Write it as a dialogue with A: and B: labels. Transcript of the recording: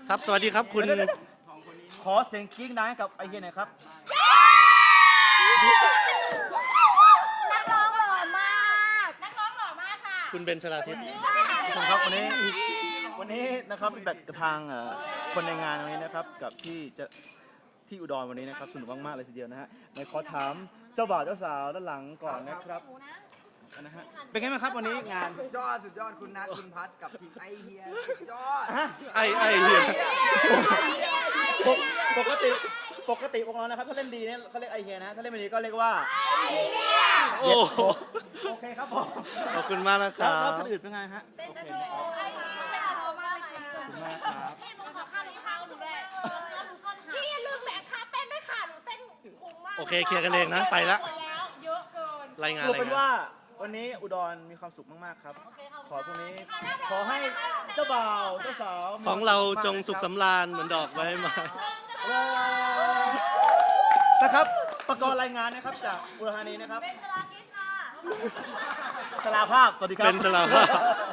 A: ครับสวัสดีครับคุณ
B: ขอเสียงกรี๊ดดังให้กับไอเฮียหน่อยครับ
C: นักร้องหล่อมากนักร้องหล่อมากค่ะ
A: คุณเบนชลาทิศ
B: ทุกคนครับวันนี้นะครับฟีดแบ็กกับทางคนในงานวันนี้นะครับกับที่อุดรวันนี้นะครับสนุกมากๆเลยทีเดียวนะฮะในขอถามเจ้าบ่าวเจ้าสาวด้านหลังก่อนนะครับนะฮะเป็นไงบ้างครับวันนี้งาน
D: สุดยอดคุณนัทคุณพัฒกับทีมไอเฮียสุดยอด
A: ไอเฮีย
B: ปกติพวกเรานะครับถ้าเล่นดีเนี่ยเขาเรียกไอเฮียนะถ้าเล่นไม่ดีก็เรียกว่า
A: โอ้
B: โอเคครับผม
A: ขอบคุณมากนะค
B: แล้
A: รั
B: ว
A: บ
B: คนอื่นเป็นไงฮะ
C: เป็นจะถูกไอ้ค่ะเป็นจะถูกมากเลยค่ะ
B: ขอบคุณมากครับ
C: พี่หนูขอค่ารองเท้าหนูด้วยหนูซ่อนหาพี่อย่าลืมแบกค่าเต้นด้วยค่ะหนูเต้นคุ้มมาก
A: โอเคเคลียร์กันเองนะไปละ
C: เยอะเกิน
A: รายงาน
B: สรุปเป็นว่าวันนี้อุดรมีความสุขมากๆครับขอพรุ่งนี้ขอให้เจ้าบ่าวเจ้าสาว
A: ของเราจงสุขสำราญเหมือนดอกไม้ไม้
B: นะครับประกอบรายงานนะครับจากอุดรธานีนะครับ
C: เป็นชลาทิศค่ะ
B: ชลาภาพสวัสดีครับ
A: เป็นชลาภาพ